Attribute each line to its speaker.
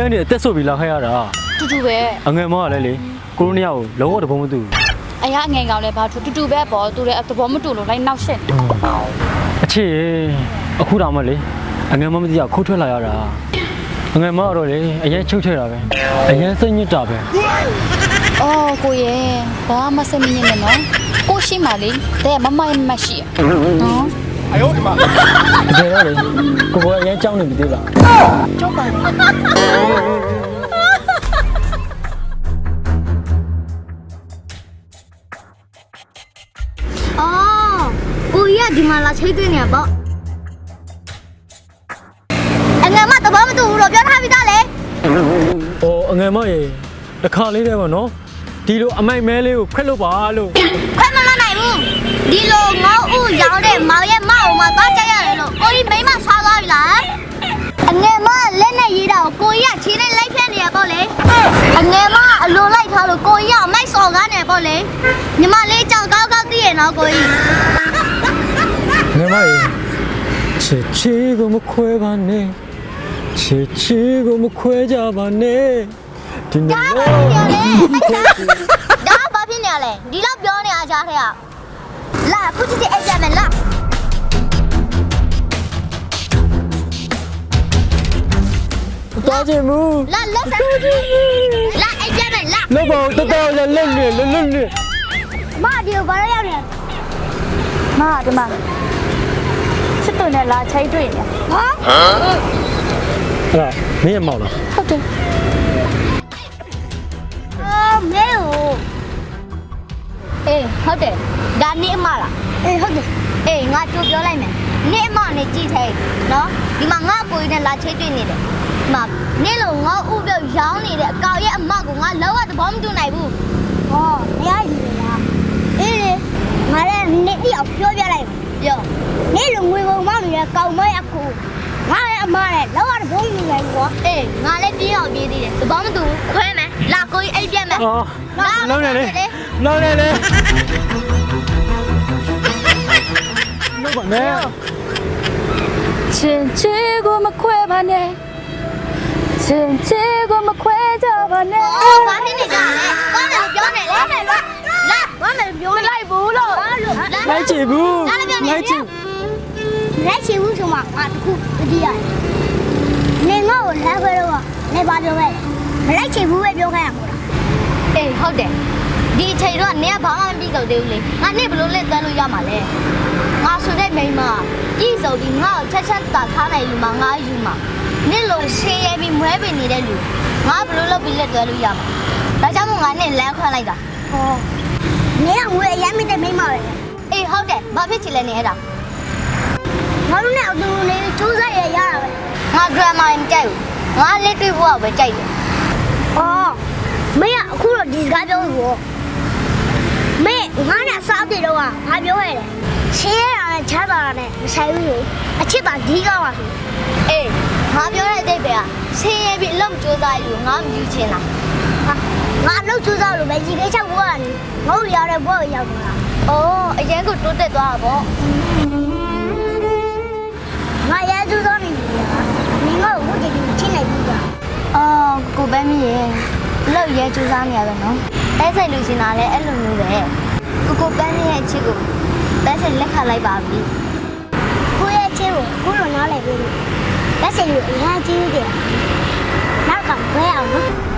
Speaker 1: ရနေအသက်ဆုပ်ပြီးလာခဲ့ရတာ
Speaker 2: တူတူပဲ
Speaker 1: အငယ်မောကလည်းလေကိုရိုနီယာကိုလုံးဝတဘုံမတူ
Speaker 2: အရာငယ်ကောင်လည်းဘာတူတူပဲပေါ့သူလည်းသဘောမတူလို့လိုက်နောက်ရှက်
Speaker 1: အချစ်အခုတောင်မှလေအငယ်မမသိရခိုးထွက်လာရတာအငယ်မကတော့လေအရင်ချုပ်ချဲတာပဲအရင်စိတ်ညစ်တာပဲ
Speaker 2: အော်ကိုရဲ့ဘာမှစမင်းနေနော်ကိုရှိမှလေတဲ့မမရမရှိနော်
Speaker 1: တကယ်တော့လေကိုကအရင်ကြောင်းနေပြီသေးလား
Speaker 2: ကြောက်ပါနဲ့
Speaker 3: အော်ကိုကြီးကဒီမှာလာချိတ်သွင်းနေရပေါ့အငယ်မတဘောမတူဘူးတော့ပြောထားပြီးသားလေ
Speaker 1: ဟိုအငယ်မရေတစ်ခါလေးတည်းပေါ့နော်ဒီလိုအမိုက်မဲလေးကိုခွက်လို့ပါလို့
Speaker 3: ခွဲမလာနိုင်ဘူးဒီလိုငေါ့ဦးရောင်းတဲ့မောင်ရဲ့မအောင်မသွားကြရတယ်လို့ကိုကြီးမိမဆွားသွားပြီလားအငယ်မလက်နဲ့ရေးတာကိုကိုကြီးကချင်းနဲ့လိုက်ဖက်နေရပေါ့လေအငယ်မအလိုလိုက်ထားလို့ကိုကြီးကမိုက်စော်ကားနေပေါ့လေညီမလေးကြောင်ကောက်ကောက်သိရနော်ကိုကြီး
Speaker 1: ငယ်မရေချစ်ချီကိုမခွဲပါနဲ့ချစ်ချီကိုမခွဲကြပါနဲ့ဒီနေ့
Speaker 3: ဒါဘာဖြစ်နေရလဲဒီလောက်ပြောနေအားကြားထဲကလာခုချစ်တဲ့အဲ့ကြမယ်လာ
Speaker 1: သွားချင်ဘူး
Speaker 3: လာလက်ဆက်လာအဲ့ကြမယ်လာ
Speaker 1: လောက်ပါတော်တော်လက်နေလက်နေ
Speaker 3: မဒီကိုဘာလို့ရောက်နေ
Speaker 2: မဒီမှာချစ်သူနဲ့လာချိတ်တွေ့နေ
Speaker 3: ဟာ
Speaker 1: အဲ့ဒါမင်းရမောက်လား
Speaker 2: ဟုတ်တယ်
Speaker 3: မဲအေးဟုတ်တယ်ဒါနေအမလားအေးဟုတ်တယ်အေးငါကြိုပြောလိုက်မယ်နေအမနဲ့ကြည့်ထဲနော်ဒီမှာငါကိုကြီးနဲ့လာချိတ်တွေ့နေတယ်ဒီမှာနေလို့ငါဥပြုတ်ရောင်းနေတဲ့အကောင်ရဲ့အမကိုငါလောကသဘောမတူနိုင်ဘူးဟောမရဘူးလားအေးလေငါလည်းနေတိအောင်ပြောပြလိုက်ပြောနေလို့ငွေပုံမောင်းနေတဲ့ကောင်မရဲ့အကူငါရဲ့အမနဲ့လောကသဘောမတူနိုင်ဘူးကွာအေးငါလည်းပြေးအောင်ပြေးသေးတယ်သဘောမတူခွဲမယ်လာကိုကြီးအိတ်ပြက်မယ်
Speaker 1: အော်လုံးနေလေလုံးနေလေလုံးပါနဲ့
Speaker 2: ချင်းချီကိုမခွဲပါနဲ့ချင်းချီကိုမခွဲကြပါနဲ့
Speaker 3: အော်ဘာဖြစ်နေကြလဲဘာလဲပြောနေလဲလာဘာလဲပြောနေလိုက်ဘူးလို့
Speaker 1: လိုက်ချင်ဘူးလိုက်ချင်
Speaker 3: လက်ချီဘူးဆိုမှငါတခုတတိယနေငါ့ကိုလက်ခွဲတော့နေပါပြောပဲမလိုက်ချီဘူးပဲပြောခိုင်းရမှာအေးဟုတ်တယ်ဒီအချိန်တော့နေကဘာမှမပြီးတော့သေးဘူးလေငါနေဘလို့လက်သွဲလို့ရမှာလဲငါဆိုတဲ့မိန်းမပြည်စုံပြီးငါ့ကိုချက်ချက်တာထားနိုင်လူမှငါယူမှာနေလို့ရှင်းရပြီးမွဲပင်နေတဲ့လူငါဘလို့လုပ်ပြီးလက်သွဲလို့ရမှာဒါကြောင့်မို့ငါနဲ့လမ်းခွဲလိုက်တာဟောနေကငွေအရင်မိတဲ့မိန်းမပဲအေးဟုတ်တယ်ဘာဖြစ်ချင်လဲနေအဲ့ဒါငါတို့နဲ့အတူနေစူးစမ်းရရတာပဲငါ drama မကြိုက်ဘူးငါလက်တွေ့ဖို့ပဲကြိုက်တယ်အော်မင်းကအခုတော့ဒီစကားပြောလို့မင်းငါနဲ့စားတယ်တော့ငါပြောရတယ်ရှင်းရတာနဲ့ချမ်းသာတာနဲ့မဆိုင်ဘူးလို့အချစ်တာဒီကောင်းပါဆိုအေးငါပြောတဲ့အတိတ်ပဲကရှင်းရပြီးအလုပ်စူးစမ်းယူငါမယူချင်လားဟာငါအလုပ်စူးစမ်းလို့ပဲဒီကိစ္စဘွားကနေငုတ်ရတဲ့ဘွားကိုရောက်လာအော်အရင်ကတိုးတက်သွားတာပေါ့ငါရဲစူးစမ်းနေပြီလားမင်းကဘုတ်ကြီးချင်းနေပြီလားအော်ကိုပဲမရေလောက်ရဲစူးစမ်းနေရတယ်နော်အဲဆိုင်လူရှင်တာလည်းအဲ့လိုမျိုးပဲကိုပန်းရဲ့အချစ်ကိုလက်စင်လက်ခလိုက်ပါပြီကိုရဲ့အချစ်ကိုကိုလိုနားလည်ပြီလက်စင်လူအများကြီးတယ်နောက်ကဘဲအောင်နော်